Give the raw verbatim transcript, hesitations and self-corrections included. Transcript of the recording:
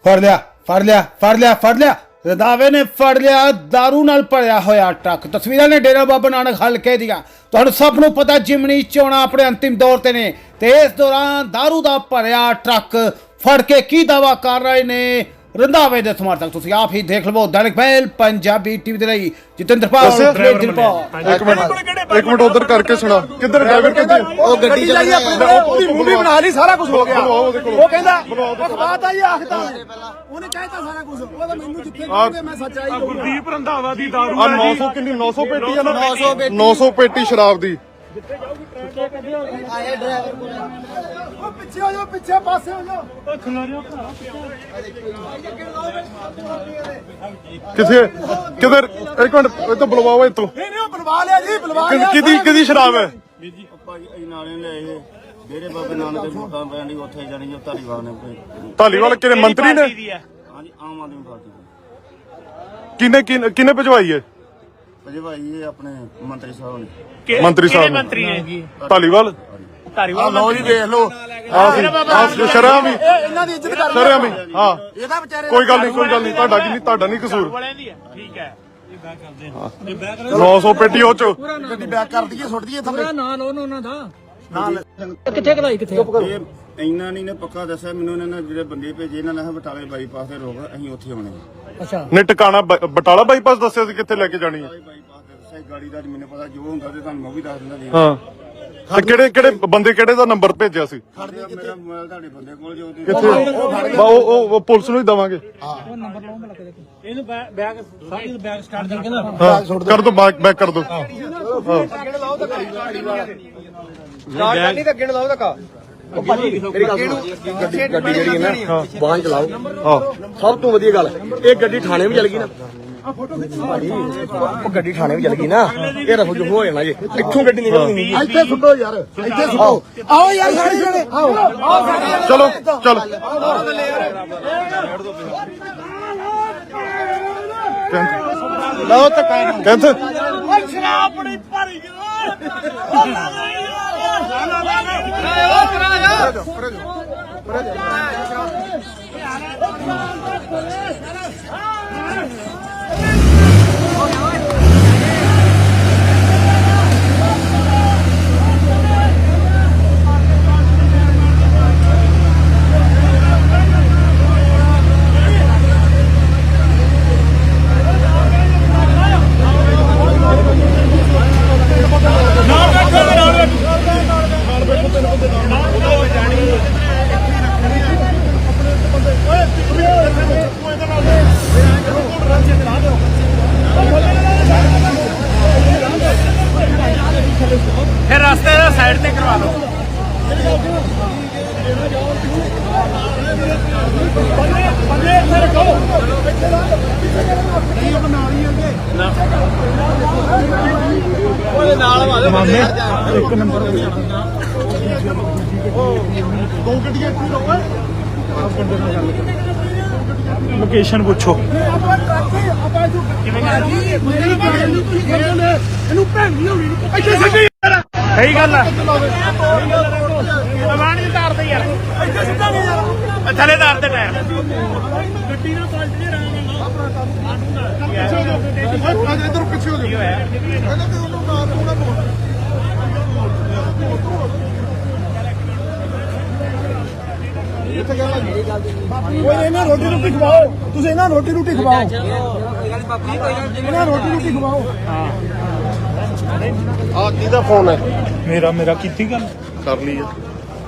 ਫੜ ਲਿਆ ਫੜ ਲਿਆ ਫੜ ਲਿਆ ਫੜ ਲਿਆ ਰੰਧਾਵੇ ਨੇ ਫੜ ਲਿਆ ਦਾਰੂ ਨਾਲ ਭਰਿਆ ਹੋਇਆ ਟਰੱਕ। ਤਸਵੀਰਾਂ ਨੇ ਡੇਰਾ ਬਾਬਾ ਨਾਨਕ ਹਲਕੇ ਦੀਆਂ। ਤੁਹਾਨੂੰ ਸਭ ਨੂੰ ਪਤਾ ਜਿਮਨੀ ਚੋਣਾਂ ਆਪਣੇ ਅੰਤਿਮ ਦੌਰ ਤੇ ਨੇ ਤੇ ਇਸ ਦੌਰਾਨ ਦਾਰੂ ਦਾ ਭਰਿਆ ਟਰੱਕ ਫੜ ਕੇ ਕੀ ਦਾਵਾ ਕਰ ਰਹੇ ਨੇ ਰੰਧਾਵੇ ਦੇ ਸਮਰਥਕ। ਤੁਸੀਂ ਆਪ ਹੀ ਦੇਖ ਲਵੋ। ਦੈਨਿਕ ਪਹਿਲ ਪੰਜਾਬੀ ਟੀਵੀ ਦੇ ਲਈ ਜਤਿੰਦਰਪਾਲ ਦਿਲਪਾਲ। ਇੱਕ ਮਿੰਟ ਇੱਕ ਮਿੰਟ ਉਧਰ ਕਰਕੇ ਸੁਣਾ। ਕਿੱਧਰ ਡਰਾਈਵਰ ਕਿੱਥੇ? ਉਹ ਗੱਡੀ ਚ ਉਹਦੀ ਮੂਵੀ ਬਣਾ ਲਈ, ਸਾਰਾ ਕੁਝ ਹੋ ਗਿਆ। ਉਹ ਕਹਿੰਦਾ ਅਖਬਾਰ ਆਈ ਆਖਦਾ ਉਹਨੇ ਕਹਿਤਾ ਸਾਰਾ ਕੁਝ। ਉਹ ਤਾਂ ਮੈਨੂੰ ਜਿੱਥੇ ਕਹਿੰਦੇ ਮੈਂ ਸੱਚਾਈ ਕਹੂੰਗਾ। ਗੁਰਦੀਪ ਰੰਧਾਵਾ ਦੀ ਦਾਰੂ ਆ ਨੌ ਸੌ ਕਿੰਨੀ ਨੌ ਸੌ ਪੇਟੀ ਆ ਨਾ। ਨੌ ਸੌ ਪੇਟੀ ਸ਼ਰਾਬ ਦੀ। ਉਹ ਪਿੱਛੇ ਹੋ ਜਾਓ, ਪਿੱਛੇ ਪਾਸੇ ਹੋ ਜਾਓ। ਕਿੱਥੇ ਕਿਧਰ? ਇੱਕ ਮਿੰਟ ਇਹ ਤਾਂ ਬੁਲਵਾਓ ਇੱਥੋਂ। ਨਹੀਂ ਨਹੀਂ ਉਹ ਬੁਲਵਾ ਲਿਆ ਜੀ, ਬੁਲਵਾ ਲਿਆ। ਕਿਹਦੀ ਕਿਹਦੀ ਸ਼ਰਾਬ ਹੈ? ਭਾਈ ਨਾਲੇ ਲਿਆਏ ਡੇਰੇ ਬਾਬੇ ਨਾਨਕ ਦੇ ਫੋਟਾਂ ਪੈਣੀ ਉੱਥੇ ਜਾਣੀ ਧਾਲੀਵਾਲ ਨੇ। ਧਾਲੀਵਾਲ ਕਿਹਨੇ ਮੰਤਰੀ ਨੇ? ਹਾਂਜੀ ਆਮ ਆਦਮੀ ਪਾਰਟੀ ਦੇ। ਕਿਹਨੇ ਕਿਹਨੇ ਕਿਹਨੇ ਭਜਵਾਈ ਹੈ? ਅਜੇ ਭਾਈ ਇਹ ਆਪਣੇ ਮੰਤਰੀ ਸਾਹਿਬ ਨੇ। ਮੰਤਰੀ ਸਾਹਿਬ ਮੰਤਰੀ ਨੇ ਧਾਲੀਵਾਲ। ਧਾਰੀਵਾਲ ਲੋ ਜੀ ਦੇਖ ਲਓ ਸ਼ਰਾਬ ਵੀ ਇਹਨਾਂ ਦੀ ਇੱਜ਼ਤ ਕਰ ਸ਼ਰਾਬ ਵੀ। ਹਾਂ ਇਹਦਾ ਵਿਚਾਰੇ ਕੋਈ ਗੱਲ ਨਹੀਂ ਕੋਈ ਗੱਲ ਨਹੀਂ। ਤੁਹਾਡਾ ਕੀ ਨਹੀਂ ਤੁਹਾਡਾ ਨਹੀਂ ਕਸੂਰ। ਵਾਲਿਆਂ ਦੀ ਹੈ। ਠੀਕ ਹੈ ਨੌ ਸੌ ਪੇਟੀ ਉਹ ਚ ਗੱਡੀ ਬੈਕ ਕਰ ਦਈਏ, ਸੁੱਟ ਦਈਏ ਥੱਲੇ। ਨਾਲ ਉਹਨਾਂ ਦਾ ਨਾਲ ਕਿੱਥੇ ਕਲਾਈ ਕਿੱਥੇ ਇਹ ਇੰਨਾ ਨਹੀਂ ਨੇ ਪੱਕਾ ਦੱਸਿਆ ਮੈਨੂੰ। ਇਹਨਾਂ ਨੇ ਜਿਹੜੇ ਬੰਦੇ ਭੇਜੇ ਇਹਨਾਂ ਨੇ ਬਟਾਲੇ ਬਾਈਪਾਸ ਤੇ ਰੋਕ ਅਸੀਂ ਉੱਥੇ ਆਉਣੇ ਆ। ਅੱਛਾ ਨੇ ਟਿਕਾਣਾ ਬ- ਬਟਾਲਾ ਬਾਈਪਾਸ ਦੱਸਿਆ ਸੀ ਕਿੱਥੇ ਲੈ ਕੇ ਜਾਣੀ ਹੈ। ਬਾਈਪਾਸ ਤੇ ਦੱਸਿਆ ਗਾੜੀ ਦਾ ਮੈਨੂੰ ਪਤਾ ਜੋ ਹੁੰਦਾ ਤੇ ਤੁਹਾਨੂੰ ਮੈਂ ਵੀ ਦੱਸ ਦਿੰਦਾ ਜੀ। ਹਾਂ ਤੇ ਕਿਹੜੇ ਕਿਹੜੇ ਬੰਦੇ ਕਿਹੜੇ ਦਾ ਨੰਬਰ ਭੇਜਿਆ ਸੀ? ਮੇਰਾ ਮੋਬਾਈਲ ਤੁਹਾਡੇ ਬੰਦੇ ਕੋਲ ਜੋ ਉਹਦੀ- ਕਿੱਥੇ? ਬਾ ਉਹ ਉਹ- ਉਹ ਪੁਲਿਸ ਨੂੰ ਹੀ ਦਵਾਂਗੇ। ਇਹਨੂੰ ਬੈਗ ਸਾਡੀ ਬੈਗ ਸਟਾਰਟ ਕਰਕੇ ਨਾ ਹਾਂ ਕਰ ਦੋ ਬੈਕ ਬੈਕ ਕਰ ਦੋ। ਗੱਡੀ ਜਿਹੜੀ ਹੈ ਨਾ ਵਾਹਨ ਚਲਾਓ। ਹਾਂ ਸਭ ਤੋਂ ਵਧੀਆ ਗੱਲ ਇਹ ਗੱਡੀ ਥਾਣੇ ਵੀ ਚਲ ਗਈ ਨਾ। ਉਹ ਗੱਡੀ ਥਾਣੇ ਵੀ ਚਲ ਗਈ ਨਾ। ਇਹ ਰਫੂ ਜੂ ਹੋ ਜਾਣਾ ਜੀ। ਇੱਥੋਂ ਗੱਡੀ ਨਿਕਲਣੀ ਨਹੀਂ। ਇੱਥੇ ਸੁੱਟੋ ਯਾਰ, ਇੱਥੇ ਸੁੱਟੋ। ਆਓ ਯਾਰ ਸਾਰੇ ਜਣੇ ਆਓ ਆਓ ਸਾਰੇ। ਚਲੋ ਚਲ ਲਓ ਤਾਂ ਕਾਇਨ ਕਹਿੰਦੇ ਸ਼ਰਾਬ ਬੜੀ ਭਰੀ ਫਿਰ ਰਸਤੇ ਦਾ ਸਾਈਡ ਤੇ ਕਰਵਾ ਲਓ। ਬੰਦੇ ਇੱਥੇ ਰੱਖੋ। ਉਹਦੇ ਨਾਲ ਮਾਮੇ ਇੱਕ ਨੰਬਰ ਹੋ ਜਾਣਾ। ਦੋ ਗੱਡੀਆਂ ਇੱਥੇ ਲਾਓ। ਲੋਕੇਸ਼ਨ ਪੁੱਛੋ ਆਪਾਂ ਟਰੱਕ ਆਪਾਂ ਜੋ ਕਿਵੇਂ ਕਰਾਂਗੇ ਮੇਰੀ ਗੱਲ ਨਹੀਂ ਤੁਸੀਂ ਕਹਿੰਦੇ ਨੇ ਇਹਨੂੰ ਭੈਣੀ ਹੋਣੀ ਨਹੀਂ। ਇੱਥੇ ਸਿੱਧੀ ਸਹੀ ਗੱਲ ਹੈ। ਅਮਾਨੀ ਤਾਰ ਦੇ ਯਾਰ ਇੱਥੇ ਸਿੱਧਾ ਨਹੀਂ ਯਾਰ। ਥੱਲੇ ਤਾਰ ਦੇ ਟਾਇਰ। ਗੱਡੀ ਨਾਲ ਪਲਟ ਨਹੀਂ ਰਹਾਂਗਾ ਆਪਣਾ ਕੰਮ ਪਿੱਛੇ ਹੋ ਜਾਓ। ਇੱਧਰ ਪਿੱਛੇ ਹੋ ਜਾਓ। ਕਹਿੰਦਾ ਤੇ ਉਹਨੂੰ ਨਾ ਪੂਰਾ ਬੋਲ। ਇੱਥੇ ਗੱਲ ਨਹੀਂ ਬਾਪੂ ਓਏ ਇਹਨਾਂ ਰੋਟੀ ਰੋਟੀ ਖਵਾਓ। ਤੁਸੀਂ ਇਹਨਾਂ ਰੋਟੀ ਰੋਟੀ ਖਵਾਓ। ਇਹਨਾਂ ਰੋਟੀ ਰੋਟੀ ਖਵਾਓ। ਆ ਕਿਹਦਾ ਫੋਨ ਹੈ? ਮੇਰਾ ਮੇਰਾ ਕੀਤੀ ਗੱਲ ਕਰ ਲਈ ਹੈ।